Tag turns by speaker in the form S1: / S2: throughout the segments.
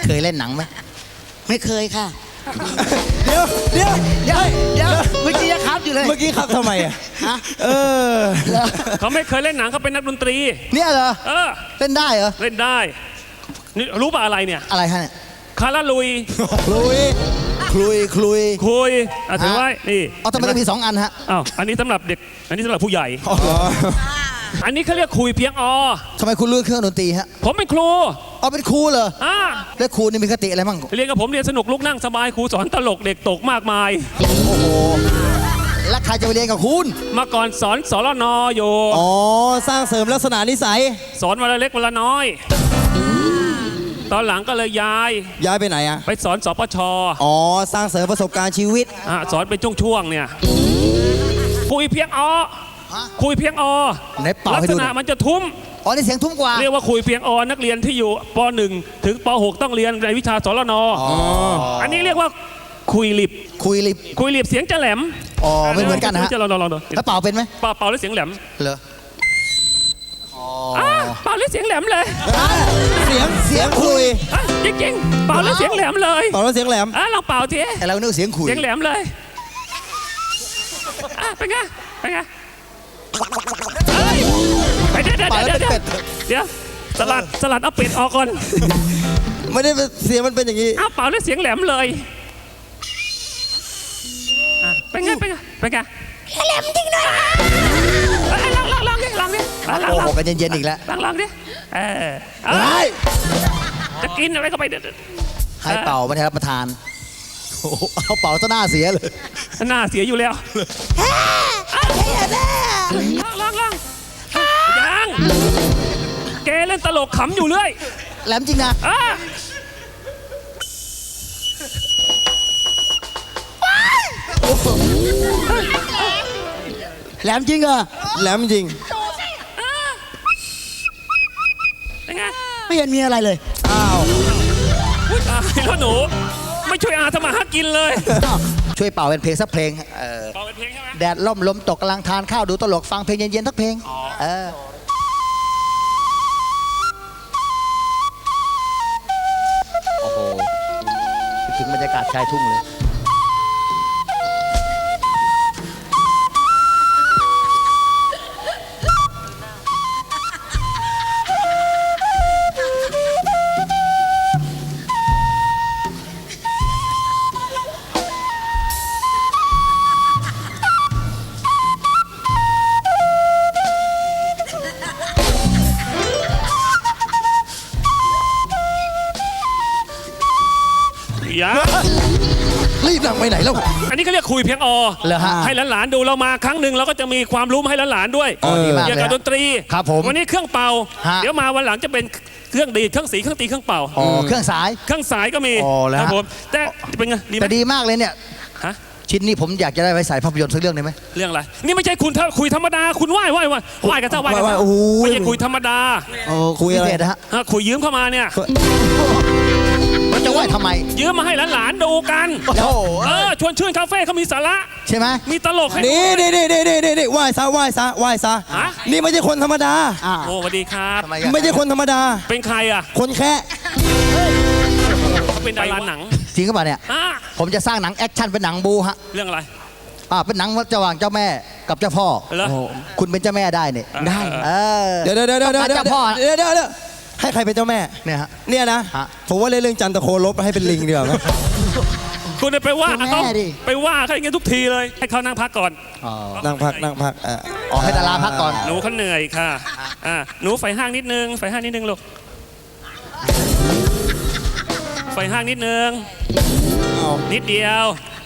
S1: เคยเล่นหนังไหม
S2: ไม่เคยค่ะ
S3: เดี๋ยวเดี๋ยว
S2: เดี๋ยวเมื่อกี้ยังครับอยู่เลย
S3: เมื่อกี้ครับทำไมอ่ะ
S2: ฮะ
S4: เขาไม่เคยเล่นหนังเขาเป็นนักดนตรี
S1: เนี่ยเหรอ
S4: เออ
S1: เล่นได้เหรอ
S4: เล่นได้นี่รู้ป่ะอะไรเนี่ย
S1: อะไรฮะเนี่ย
S4: คาราลุย
S3: คลุย
S4: คุยถือไว้นี่
S1: เอาทำไมต้องมี2 อันฮะ
S4: อ้าวอันนี้สำหรับเด็กอันนี้สำหรับผู้ใหญ่
S3: อ๋อ
S4: อันนี้เขาเรียกคุยเพียงอ
S1: ทำไมคุณเลือกเครื่องดนตรีฮะ
S4: ผมเป็นครู
S1: เอาเป็นครูเหรอ
S4: อ่า
S1: แล้วครูนี่มีคติอะไรมั่ง
S4: เรียนกับผมเรียนสนุกลุกนั่งสบายครูสอนตลกเด็กตกมากมาย
S1: โอ้โหแล้วใครจะไปเรียนกับคุณ
S4: มาก่อนสอนสรนอยู่
S3: อ๋อสร้างเสริมลักษณะนิสัย
S4: สอนวันละเล็กวันละน้อย ตอนหลังก็เลยย้าย
S3: ไปไหนอ่ะ
S4: ไปสอนสปช
S3: อ๋อสร้างเสริมประสบการณ์ชีวิต
S4: สอนเป็นช่วงๆเนี่ยคุยเพียงอคุยเพียงอ
S1: ไหนเป่า
S4: ลัก
S1: ให้
S4: ษ
S1: ดูห
S4: ณะ
S1: น่อย
S4: มันจะทุ้ม
S1: อ๋อนี่เสียงทุ้มกว่า
S4: เรียกว่าคุยเพียงอนักเรียนที่อยู่ป .1 ถึงป .6 ต้องเรียนในวิชาสรนอันนี้เรียกว่าคุยหลิบ
S1: คุยลิบ
S4: คุยหลิบเสียงจะแหลม
S1: อ๋อไม่เหมือนกันนะฮะ
S4: จะลองดู
S1: แล้วเป่าเป็นไหม
S4: เป่าแล้วเสียงแหลม
S1: เหรออ๋อ
S4: เป่าแล้วเสียงแหลมเลย
S3: เสียงคลุย
S4: จริงๆเป่าแล้วเสียงแหลมเลย
S3: ต่อแล้วเสียงแหลม
S4: ลองเป่าที
S1: แต่เรานึกเสียงคุย
S4: เสียงแหลมเลยเป็นไงเป็นไงไปเดี๋ยวสลัดเอาเป็ดออกก่อน
S3: ไม่ได้เสียงมันเป็นอย่างนี้
S4: เป่าแล้วเสียงแหลมเลยเป็นไงแหลมจริงนะลองดิ
S1: โอ้โหกันเย็นๆอีกแล้ว
S4: ลองดิจะกินอะไรก็ไปเด็ด
S1: ให้เป่าไม่ได้รับประทานโอ้โหเอาเป่าซะหน้าเสียเลย
S4: หน้าเสียอยู่แล้วลองยังแกเล่นตลกขำอยู่เรื่อย
S1: แหลมจริงนะ
S2: แหลมจริงเหรอ
S3: แหลมจริง
S4: เป็นไง
S2: ไม่เห็นมีอะไรเลย
S3: อ้าว
S4: ตายแล้วหนูไม่ช่วยอาทำมาหากินเลย
S1: ช่วยเป่าเป็นเพลงสักเพลง
S4: เป่าเป็นเพลงใช่ไหม
S1: แดดล่มลมตกกำลังทานข้าวดูตลกฟังเพลงเย็นๆทักเพลงโอ้โหคิดถึงบรรยากาศชายทุ่งเลย
S4: อย่า
S1: รีบนั่งไปไหนแล้ว
S4: อันนี้เขาเรียกคุยเพียงอ
S1: เหรอฮะ
S4: ให้หลานๆดูเรามาครั้งหนึ่งเราก็จะมีความรู้มาให้หลานๆด้วย
S1: ดีมาก
S4: เกี่ยว
S1: เลย
S4: กับดนตรี
S1: ครับผม
S4: วันนี้เครื่องเป่า
S1: ฮะ
S4: เดี๋ยวมาวันหลังจะเป็นเครื่องดีดเครื่องสีเครื่องตีเครื่องเป่า
S1: อ๋อเครื่องสาย
S4: เครื่องสายก็มี
S1: อ๋อแล้ว
S4: ค
S1: ฮะ
S4: รับผมแต่เป็นไงดีไหม
S1: แต่ดีมากเลยเนี่ย
S4: ฮะ
S1: ชิ้นนี้ผมอยากจะได้ไว้ใส่ภาพยนตร์สักเรื่องได้ไหม
S4: เรื่องอะไรนี่ไม่ใช่คุณคุยธรรมดาคุณไหว้กันซะไหว้กันซะ
S3: โอ้โห
S4: ไม่ใช่คุยธรรมดา
S1: โอ้คุยอะไรนะฮะ
S4: คุยยืมเข้ามาเนี่ย
S1: มันจะไหวทำไม
S4: ยืมมาให้หลานๆดูกัน
S1: โอ้โห
S4: ชวนชื่นคาเฟ่เขามีสาระ
S1: ใช่ไหม
S4: มีตลกให้
S3: นี่ไหว้ซะ
S4: ฮะ
S3: นี่ไม่ใช่คนธรรมดา
S4: โอ้สวัสดีครับ
S1: ทำไมกัน
S3: ไม่ใช่คนธรรมดา
S4: เป็นใครอ่ะ
S3: คนแค่
S4: เขาเป็นดาราหนัง
S1: จริงก็ปล่าเนี่ย ผมจะสร้างหนังแอคชั่นเป็นหนังบูฮะ
S4: เรื่องอะไร
S1: เป็นหนังระหว่างเจ้าแม่กับเจ้าพ่อ
S4: เหรอ
S1: โอ้โหคุณเป็นเจ้าแม่ได้เนี่ย
S4: ได้
S3: เดี๋ยวให้ใครเป็นเจ้าแม่
S1: เนี่ยฮะ
S3: เนี่ยนะ
S1: ฮะ
S3: ผมว่าเรื่องจันทโคลบให้เป็นลิงดีกว่าไหม
S4: คุณไปว่า
S1: เป็นแม่
S4: เขา
S1: ดิ
S4: ไปว่าเขาอย่างเงี้ยทุกทีเลยให้เขานั่งพักก่อน
S1: อ๋อ
S3: นั่งพัก
S1: อ๋อให้ดาราพักก่อน
S4: หนูเขาเหนื่อยค่ะหนูไฟห้างนิดนึงลูกไฟห้างนิดนึงนิดเดียว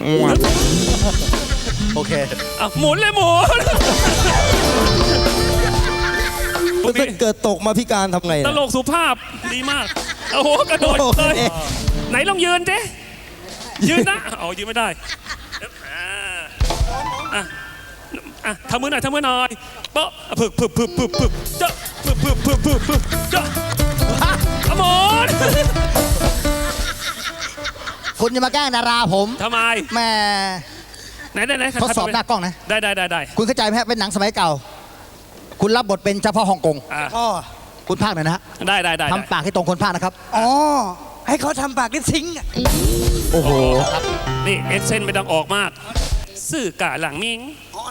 S1: โอเค
S4: หมุนเลยหมุน
S3: ถ้าเกิดตกมาพิการทำไง
S4: ตลกสุภาพดีมากโอ้โหกระโดดเลยไหนลองยืนเจ๊ยืนนะยืนไม่ได้ทำมือหน่อยเปาะผึกเจ้าผึกเจ้าหมุน
S1: คุณจะมาแกล้งดาราผม
S4: ทำไม
S1: แม่
S4: ไหน
S1: ทดสอบหน้ากล้องนะ
S4: ได้
S1: คุณเข้าใจไหมฮะเป็นหนังสมัยเก่า คุณรับบทเป็นเจ้าพ่อฮ่องกง
S3: อ๋อ
S1: คุณภาคหน่อยนะฮะ
S4: ได้
S1: ทำปากให้ตรงคนภาคนะครับ
S2: อ๋อให้เขาทำปากลิปซิงค์อะ
S3: โอ้โห
S4: นี่เอ็กเซนไม่ต้องออกมาก ซื่อกะหลังมิง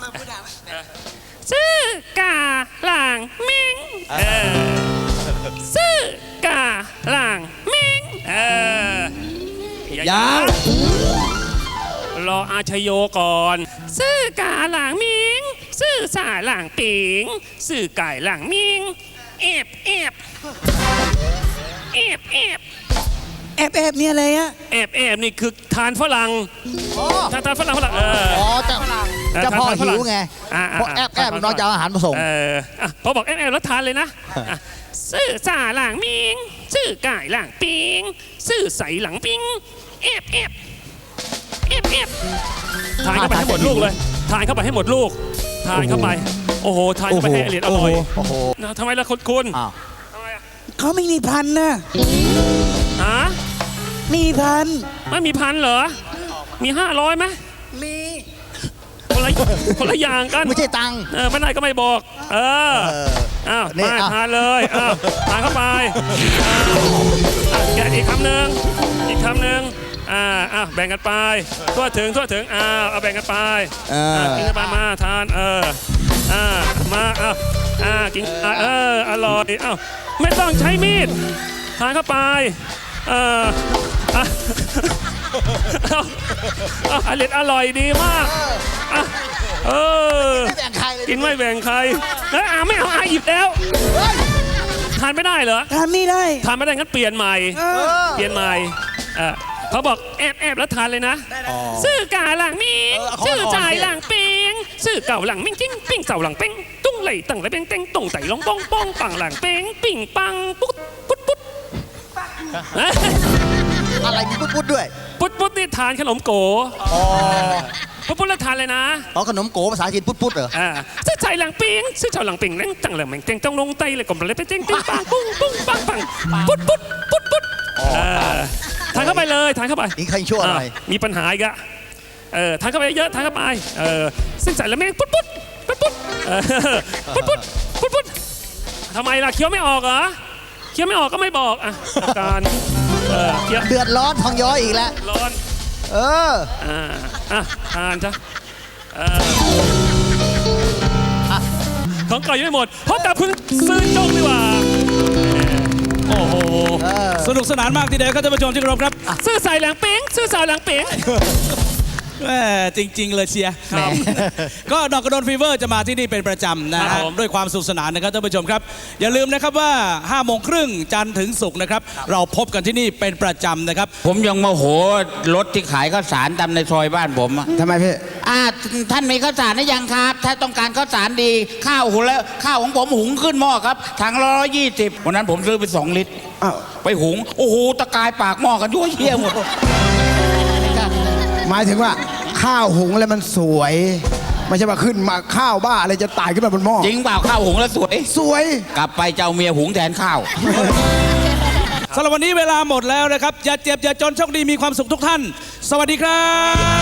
S4: ซื่อกะหลังมิงซื่อกะหลังมิง
S3: ยัง
S4: รออาชโยก่อน ซื่อกะหลังมิงซื่อสาหลังปิงซื่อไก่หลังมิงเอบเอบเอบเอบ
S2: แอบมีอะไรอะ
S4: แอบแอบนี่คือทานฝรั่ง
S1: อ๋อ
S4: ทานฝรั่ง
S1: อ๋อจะพ่อหิวไง
S4: อ่า
S1: เพราะแอบน้องจะเอาอาหารมาส่ง
S4: พอบอกแอบแล้วทานเลยนะซื่อสาหลังมิงซื่อไก่หลังปิงซื่อใสหลังปิงแอบแอบแอบแอบทานเข้าไปให้หมดลูกเลยทานเข้าไปให้หมดลูกทานเข้าไปโอ้โหทานเข้าไปให้อร่อย
S1: โอ้โห
S4: ทำไมล่ะคุณ
S1: อ้าว
S4: ทำไมอะ
S2: เขาไม่มีพันนะ
S4: ฮะ
S2: มีพัน
S4: ไม่มีพันเหรอมี500ไหม
S2: มี
S4: คนละอย่างกัน
S1: ไม่ใช่ตังค์
S4: ไม่ได้ก็ไม่บอกอ้าว
S1: นี่
S4: มา
S1: อ่ะ
S4: ทานเลยอ้าวทานเข้าไปแกะอีกคำหนึ่งแบ่งกันไปทั่วถึงเอาแบ่งกันไปกินกันไปมาทานมากินอร่อยไม่ต้องใช้มีดทานเข้าไปอร่อยดีมาก
S1: ไม่แบ่งใครเลย
S4: กินไม่แบ่งใครไม่เอาหยิบแล้วทานไม่ได้เหรอ
S2: ทำไม่ได้
S4: ทานไม่ได้งั้นเปลี่ยนใหม่เขาบอกแอบแล้วทานเลยนะซื่อกาหลังมิงซื่อจ่ายหลังปิงซื่อเก่าหลังมิงจิ้งปิ้งเก่าหลังเป้งตุ้งไหลตั้งไหลเป้งเต้งตุ้งไต่ลงป้องป้องปังหลังเป้งปิ่งปังปุ๊ด
S1: อะไรมีปุ๊ดด้วย
S4: ปุ๊ดนี่ทานขนมโกปุ๊ดแล้วทานเลยนะ
S1: ขนมโกภาษาจีนปุ๊ดเหรอ
S4: ซื่อจ่ายหลังปิงซื่อเก่าหลังปิงนั่งตั้งหลังเป้งเต้งต้องลงไตเลยกลมเลยไปเต้งปังปุ้งปังปุ๊ดทานเข้าไปเลยทานเข้าไป
S1: นี่ใครชั่วอะไร
S4: มีปัญหาอีกอะทานเข้าไปเยอะทานเข้าไปซึ่งใส่แล้วแม่งปุ๊ดทำไมล่ะเคี้ยวไม่ออกเหรอเคี้ยวไม่ออกก็ไม่บอกอาการเคี้ยว
S1: เดือดร้อนทองย้อยอีกแล้ว
S4: ร้อนทานจ้ะของเก่ายังไม่หมดพบกับคุณซื่อจงดีกว่าโอ้โห
S5: สนุกสนานมากทีเดียวครับท่านผู้ชมที่เคารพครับ
S4: ซื่อใส่หลังเป้งซื่อสาวหลังเป้ง
S5: แม่จริง ๆ เลยเชียร์ก็ดอกกระโดนฟีเวอร์จะมาที่นี่เป็นประจำนะฮะด้วยความสนุกสนานนะครับท่านผู้ชมครับอย่าลืมนะครับว่า5 โมงครึ่งจันทร์ถึงศุกร์นะครับเราพบกันที่นี่เป็นประจำนะครับ
S6: ผมยังโมโหรถที่ขายข้าวสารตามในซอยบ้านผมอะ
S3: ทำไมพี่
S6: ท่านมีข้าวสารหรือยังครับ ถ้าต้องการข้าวสารดีข้าวหุงแล้วข้าวของผมหุงขึ้นหม้อครับถัง120วันนั้นผมซื้อไป2 ลิตรไปหุงโอ้โหตะกายปากหม้อกันยั่วเยี่ยหมด
S7: หมายถึงว่าข้าวหุงแล้วมันสวย ไม่ใช่ว่าขึ้นมาข้าวบ้าอะไรจะตายขึ้นมาบนหม้อ
S6: จริงเปล่าข้าวหุงแล้วสวย
S7: สวย
S6: กลับไปเจ้าเมียหุงแทนข้าว
S5: สำหรับวันนี้เวลาหมดแล้วนะครับอย่าเจ็บอย่าจนโชคดีมีความสุขทุกท่าน สวัสดีครับ